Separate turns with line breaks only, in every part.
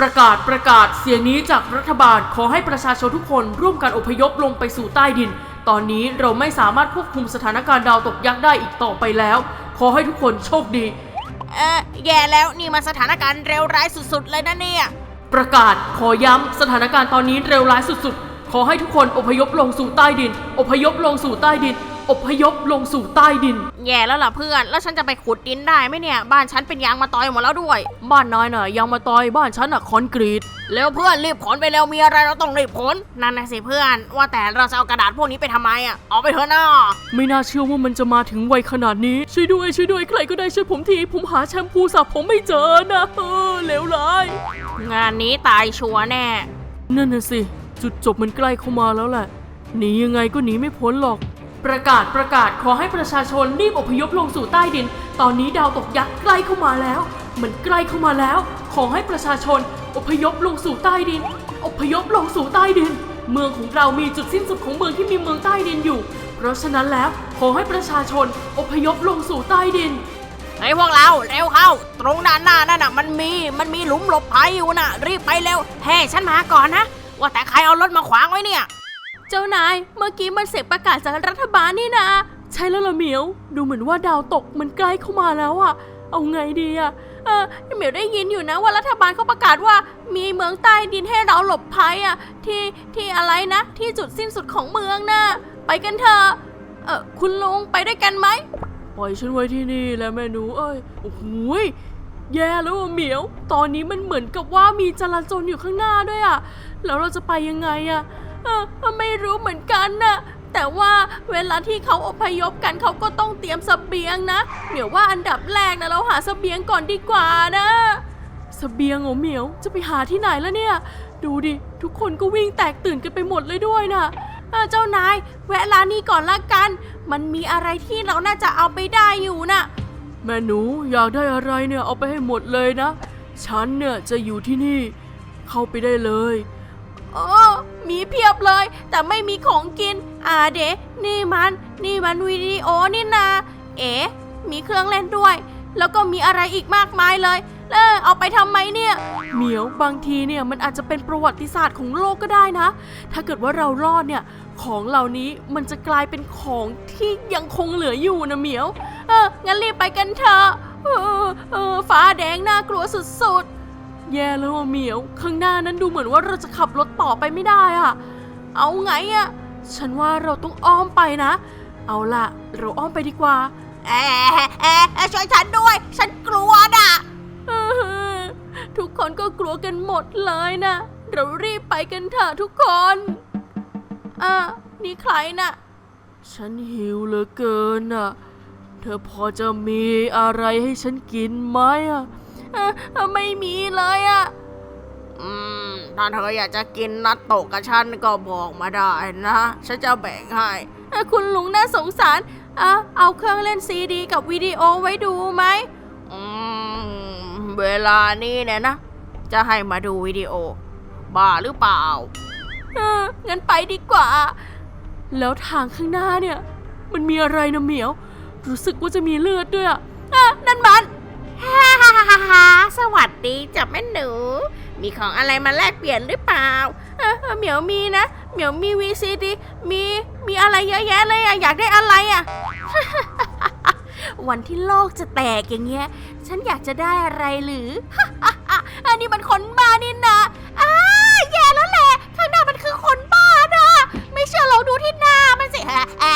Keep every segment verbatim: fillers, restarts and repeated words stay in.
ประกาศประกาศเสียงนี้จากรัฐบาลขอให้ประชาชนทุกคนร่วมกันอพยพลงไปสู่ใต้ดินตอนนี้เราไม่สามารถควบคุมสถานการณ์ดาวตกยักษ์ได้อีกต่อไปแล้วขอให้ทุกคนโชคดี
เออแย่แล้วนี่มันสถานการณ์เร็วร้ายสุดๆเลยนะเนี่ย
ประกาศขอย้ำสถานการณ์ตอนนี้เร็วร้ายสุดๆขอให้ทุกคนอพยพลงสู่ใต้ดินอพยพลงสู่ใต้ดินอพยพลงสู่ใต้ดิน
แย่แล้วล่ะเพื่อนแล้วฉันจะไปขุดดินได้ไหมเนี่ยบ้านฉันเป็นยางมะตอยหมดแล้วด้วย
บ้านนายน่ะยางมะตอยบ้านฉันน่ะคอนกรีต
แล้วเพื่อนรีบขนไปเร็วมีอะไรเราต้องรีบขนนั่นนะสิเพื่อนว่าแต่เราจะเอากระดาษพวกนี้ไปทำไมอ่ะเอาไปเถอะนะ
ไม่น่าเชื่อว่ามันจะมาถึงวัยขนาดนี้ช่วยด้วยช่วยด้วยใครก็ได้ช่วยผมทีผมหาแชมพูสระผมไม่เจอนะเออเลวร้าย
งานนี้ตายชัวร์แน่
นั่นน่ะสิจุดจบมันใกล้เข้ามาแล้วแหละหนียังไงก็หนีไม่พ้นหรอกประกาศประกาศขอให้ประชาชนรีบอพยพลงสู่ใต้ดินตอนนี้ดาวตกยักษ์ใกล้เข้ามาแล้วมันใกล้เข้ามาแล้วขอให้ประชาชนอพยพลงสู่ใต้ดินอพยพลงสู่ใต้ดินเมืองของเรามีจุดสิ้นสุดของเมืองที่มีเมืองใต้ดินอยู่เพราะฉะนั้นแล้วขอให้ประชาชนอพยพลงสู่ใต้ดิน
ไอ้พวกเราเร็วเข้าตรงด้านหน้านั่นน่ะมันมีมันมีหลุมหลบภัยอยู่น่ะรีบไปเร็วเฮ้ฉันมาก่อนนะว่าแต่ใครเอารถมาขวางไว้เนี่ย
เจ้านายเมื่อกี้มันเสียงประกาศจากรัฐบาลนี่นะใช่แล้วล่ะเหมียวดูเหมือนว่าดาวตกมันใกล้เข้ามาแล้วอะเอาไงดีอะเออเหมียวได้ยินอยู่นะว่ารัฐบาลเขาประกาศว่ามีเมืองใต้ดินให้เราหลบภัยอะที่ที่อะไรนะที่จุดสิ้นสุดของเมืองนะไปกันเถอะเออคุณลุงไปด้วยกันไหมปล่อยฉันไว้ที่นี่แล้วแม่หนูเอ้ยโอ้โหแย่แล้วเหมียวตอนนี้มันเหมือนกับว่ามีจราจรอยู่ข้างหน้าด้วยอะแล้วเราจะไปยังไงอะเออไม่รู้เหมือนกันนะแต่ว่าเวลาที่เขาอพยพกันเขาก็ต้องเตรียมเสบียงนะเหมียวว่าอันดับแรกนะเราหาเสบียงก่อนดีกว่านะเสบียงเหรอเหมียวจะไปหาที่ไหนแล้วเนี่ยดูดิทุกคนก็วิ่งแตกตื่นกันไปหมดเลยด้วยนะเจ้านายแวะร้านนี้ก่อนละกันมันมีอะไรที่เราน่าจะเอาไปได้อยู่นะแม่หนูอยากได้อะไรเนี่ยเอาไปให้หมดเลยนะฉันเนี่ยจะอยู่ที่นี่เข้าไปได้เลยโอ้มีเพียบเลยแต่ไม่มีของกินอ่าเดะนี่มันนี่มันวิดีโอนี่นาเอ๋มีเครื่องเล่นด้วยแล้วก็มีอะไรอีกมากมายเลยเออเอาไปทำไมเนี่ยเหมียวบางทีเนี่ยมันอาจจะเป็นประวัติศาสตร์ของโลกก็ได้นะถ้าเกิดว่าเรารอดเนี่ยของเหล่านี้มันจะกลายเป็นของที่ยังคงเหลืออยู่นะเหมียวเอองั้นรีบไปกันเถอะเออเออฟ้าแดงน่ากลัวสุดๆแย่แล้วเหมียวข้างหน้านั้นดูเหมือนว่าเราจะขับรถต่อไปไม่ได้อะเอาไงอะฉันว่าเราต้องอ้อมไปนะเอาล่ะเราอ้อมไปดีกว่า
เอ๊ะเอ๊ะช่วยฉันด้วยฉันกลัวนะ
ทุกคนก็กลัวกันหมดเลยนะเรารีบไปกันเถอะทุกคนอ่ะนี่ใครน่ะฉันหิวเหลือเกินน่ะเธอพอจะมีอะไรให้ฉันกินไหมอ่ะไม่มีเลยอ่ะ
อืมถ้าเธออยากจะกินนัตโตะกับฉันก็บอกมาได้นะฉันจะแบ่งให้
คุณลุงน่าสงสารอ่ะเอาเครื่องเล่นซีดีกับวิดีโอไว้ดูไหม
อืมเวลานี้เนี่ยนะจะให้มาดูวิดีโอบ้าหรือเปล่า
เอองั้นไปดีกว่าแล้วทางข้างหน้าเนี่ยมันมีอะไรนะเหมียวรู้สึกว่าจะมีเลือดด้วยอ่ะนั่นมัน
ฮ่าฮ่าฮ่าฮ่าสวัสดีจ้ะแม่หนูมีของอะไรมาแลกเปลี่ยนหรือเปล่า
เออเหมียวมีนะเหมียวมีวีซีดีมีมีอะไรเยอะแยะเลยอ่ะอยากได้อะไรอ่ะ วันที่โลกจะแตกอย่างเงี้ยฉันอยากจะได้อะไรหรือ อันนี้มันคนบ้านี่นะอ้าแย่แล้วแหละข้างหน้ามันคือคนบ้านะไม่เชื่อลองดูที่หน้ามันสิ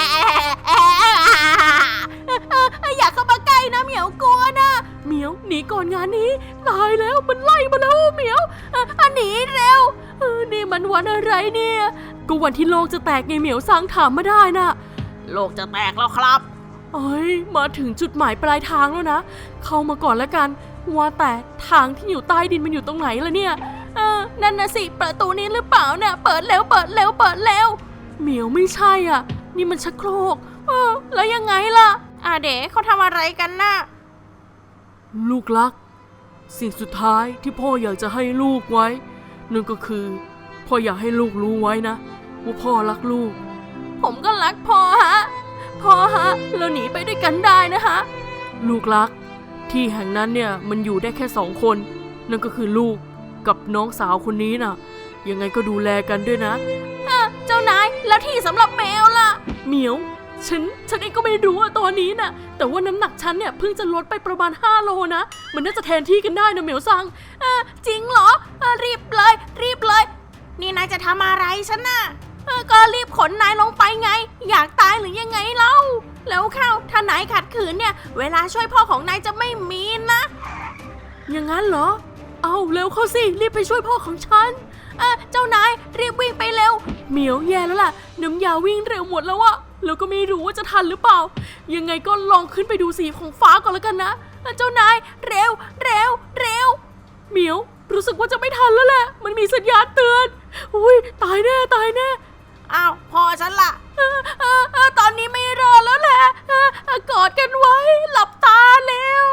อยากเข้ามาใกล้นะเหมียวกลัวนะเหมียวหนีก่อนงานนี้ตายแล้วมันไล่มาแล้วเหมียวอันหนีเร็วนี่มันวันอะไรเนี่ยก็วันที่โลกจะแตกไงเหมียวสร้างถามมาได้นะ
โลกจะแตกแล้วครับ
เอ้ยมาถึงจุดหมายปลายทางแล้วนะเข้ามาก่อนแล้วกันว่าแต่ทางที่อยู่ใต้ดินมันอยู่ตรงไหนล่ะเนี่ยเออนั่นนะสิประตูนี้หรือเปล่าเนี่ยเปิดเร็วเปิดเร็วเปิดเร็วเหมียวไม่ใช่อ่ะนี่มันชักโครกเออแล้วยังไงล่ะ
อ่าเด๋เขาทำอะไรกันน่ะ
ลูกรักสิ่งสุดท้ายที่พ่ออยากจะให้ลูกไว้นั่นก็คือพ่ออยากให้ลูกรู้ไว้นะว่าพ่อรักลูกผมก็รักพ่อฮะพ่อฮะเราหนีไปด้วยกันได้นะฮะลูกรักที่แห่งนั้นเนี่ยมันอยู่ได้แค่สองคนนั่นก็คือลูกกับน้องสาวคนนี้น่ะยังไงก็ดูแลกันด้วยนะเจ้านายแล้วที่สำหรับแมวล่ะเหมียวฉันฉันเองก็ไม่รู้อะตอนนี้น่ะแต่ว่าน้ำหนักฉันเนี่ยเพิ่งจะลดไปประมาณห้าโลนะมันน่าจะแทนที่กันได้นะเหมียวซังเออจริงเหรอเออรีบเลยรีบเลยนี่นายจะทำอะไรฉันน่ะเออก็รีบขนนายลงไปไงอยากตายหรือยังไงเล่าแล้วเข้าถ้านายขัดขืนเนี่ยเวลาช่วยพ่อของนายจะไม่มีนะอย่างนั้นเหรอเอาเร็วเข้าสิรีบไปช่วยพ่อของฉันเออเจ้านายรีบวิ่งไปเร็วเหมียวแย่แล้วล่ะน้ำยาวิ่งเร็วหมดแล้วอะแล้วก็ไม่รู้ว่าจะทันหรือเปล่ายังไงก็ลองขึ้นไปดูสีของฟ้าก่อนแล้วกันนะเจ้านายเร็วเร็วเร็วเหมียวรู้สึกว่าจะไม่ทันแล้วแหละมันมีสัญญาณเตือนอุ้ยตายแน่ตายแน่อ้าวพอฉันละเออเออเออตอนนี้ไม่รอแล้วแหละเออเออกอดกันไว้หลับตาแล้ว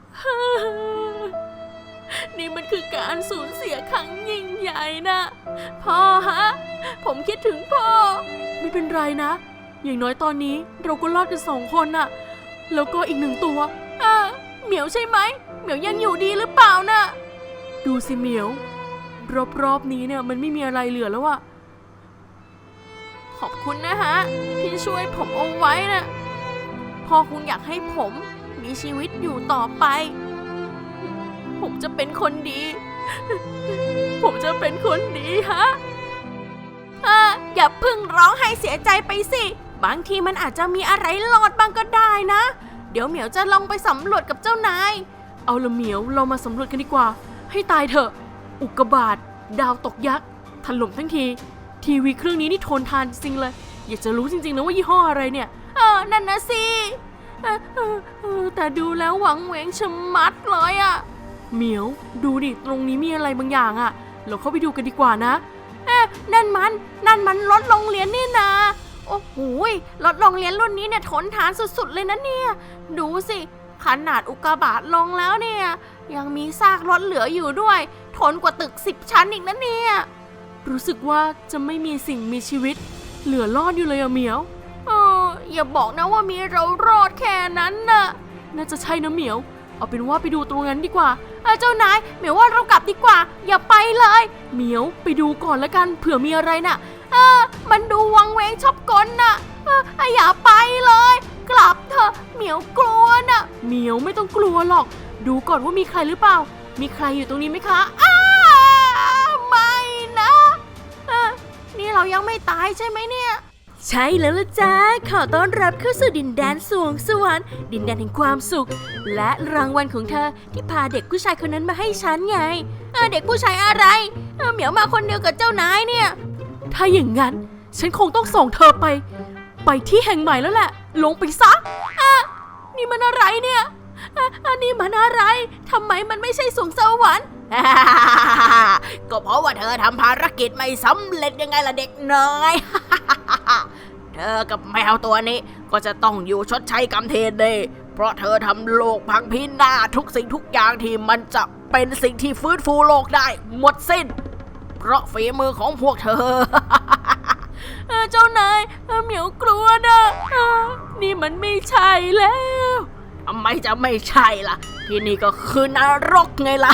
นี่มันคือการสูญเสียครั้งยิ่งใหญ่นะพ่อฮะผมคิดถึงพ่อไม่เป็นไรนะอย่างน้อยตอนนี้เราก็รอดกันสองคนน่ะแล้วก็อีกหนึ่งตัวเออเหมียวใช่ไหมเหมียวยังอยู่ดีหรือเปล่าน่ะดูสิเหมียวรอบๆนี้เนี่ยมันไม่มีอะไรเหลือแล้วอะขอบคุณนะฮะที่ช่วยผมเอาไว้นะพ่อคงอยากให้ผมมีชีวิตอยู่ต่อไปผมจะเป็นคนดี ผมจะเป็นคนดีฮะอ่าอย่าเพิ่งร้องไห้เสียใจไปสิบางทีมันอาจจะมีอะไรรอดบ้างก็ได้นะเดี๋ยวเหมียวจะลองไปสำรวจกับเจ้านายเอาละเหมียวเรามาสำรวจกันดีกว่าให้ตายเถอะอุกกาบาตดาวตกยักษ์ถล่มทั้งทีทีวีเครื่องนี้นี่ทนทานจริงเลยอยากจะรู้จริงๆนะว่ายี่ห้ออะไรเนี่ยเออนั่นนะสิเออเออเออแต่ดูแล้วหวังเหวงชะมัดเลยอะเหมียวดูดิตรงนี้มีอะไรบางอย่างอะเราเข้าไปดูกันดีกว่านะเอ๊ะนั่นมันนั่นมันรถโรงเรียนนี่นะโอ้โหรถโรงเรียนรุ่นนี้เนี่ยทนทานสุดๆเลยนะเนี่ยดูสิขนาดอุกกาบาตลงแล้วเนี่ยยังมีซากรถเหลืออยู่ด้วยทนกว่าตึกสิบชั้นอีกนะเนี่ยรู้สึกว่าจะไม่มีสิ่งมีชีวิตเหลือรอดอยู่เลยอะเหมียวเอออย่าบอกนะว่ามีเรารอดแค่นั้นน่ะน่าจะใช่นะเหมียวเอาเป็นว่าไปดูตรงนั้นดีกว่าเจ้านายเหมียวว่าเรากลับดีกว่าอย่าไปเลยเหมียวไปดูก่อนแล้วกันเผื่อมีอะไรน่ะเออมันดูวังเวงชอบกลน่ะเอออย่าไปเลยกลับเถอะเหมียวกลัวน่ะเหมียวไม่ต้องกลัวหรอกดูก่อนว่ามีใครหรือเปล่ามีใครอยู่ตรงนี้ไหมคะอ้าไม่นะเออนี่เรายังไม่ตายใช่ไหมเนี่ยใช่แล้วล่ะจ้าขอต้อนรับเข้าสู่ดินแดนสวงสวรรค์ดินแดนแห่งความสุขและรางวัลของเธอที่พาเด็กผู้ชายคนนั้นมาให้ฉันไงเออเด็กผู้ชายอะไรเออเหมียวมาคนเดียวกับเจ้านายเนี่ยถ้าอย่างนั้นฉันคงต้องส่งเธอไปไปที่แห่งใหม่แล้วแหละลงไปซะอ่ะนี่มันอะไรเนี่ยอ่ะอันนี้มันอะไรทำไมมันไม่ใช่สวงสวรรค์
ก็เพราะว่าเธอทำภารกิจไม่สำเร็จยังไงล่ะเด็กน้อย เธอกับแมวตัวนี้ก็จะต้องอยู่ชดใช้กรรมเทนเดย์เพราะเธอทำโลกพังพินาศทุกสิ่งทุกอย่างที่มันจะเป็นสิ่งที่ฟื้นฟูโลกได้หมดสิ้นเพราะฝีมือของพวกเธอ
เจ้านายเหมียวกลัวนะนี่มันไม่ใช่แล้ว
ทำไมจะไม่ใช่ล่ะที่นี่ก็คือนรกไงล่ะ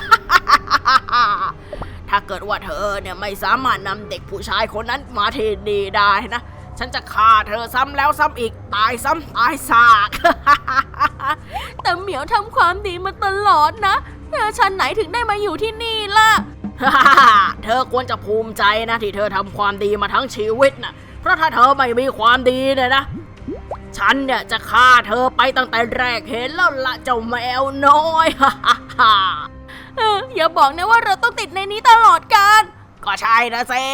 ถ้าเกิดว่าเธอเนี่ยไม่สามารถนำเด็กผู้ชายคนนั้นมาที่นี่ได้นะฉันจะฆ่าเธอซ้ำแล้วซ้ำอีกตายซ้ำตายซาก
แต่เหมียวทำความดีมาตลอดนะฉันไหนถึงได้มาอยู่ที่นี่ล่ะ
เธอควรจะภูมิใจนะที่เธอทำความดีมาทั้งชีวิตนะเพราะถ้าเธอไม่มีความดีเนี่ยนะฉันเนี่ยจะฆ่าเธอไปตั้งแต่แรกเห็นแล้วละเจ้าแมวน้อย
เอออย่าบอกนะว่าเราต้องติดในนี้ตลอดกาล
ก็ใช่นะเซ่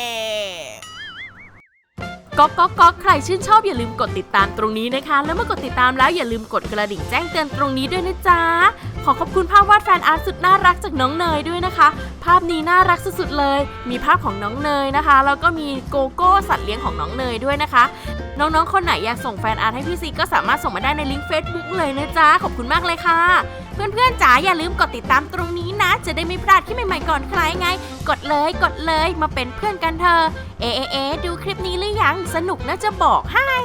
ก๊อกก๊อกก๊อกใครชื่นชอบอย่าลืมกดติดตามตรงนี้นะคะแล้วเมื่อกดติดตามแล้วอย่าลืมกดกระดิ่งแจ้งเตือนตรงนี้ด้วยนะจ๊ะขอขอบคุณภาพวาดแฟนอาร์ตสุดน่ารักจากน้องเนยด้วยนะคะภาพนี้น่ารักสุดๆเลยมีภาพของน้องเนยนะคะแล้วก็มีโกโก้สัตว์เลี้ยงของน้องเนยด้วยนะคะน้องๆคนไหนอยากส่งแฟนอาร์ตให้พี่ซีก็สามารถส่งมาได้ในลิงก์ Facebook เลยนะจ๊ะขอบคุณมากเลยค่ะเพื่อนๆจ๋าอย่าลืมกดติดตามตรงนี้นะจะได้ไม่พลาดคลิปใหม่ๆก่อนใครไงกดเลยกดเลยมาเป็นเพื่อนกันเถอะเอเอเอดูคลิปนี้หรือยังสนุกนะจะบอกให้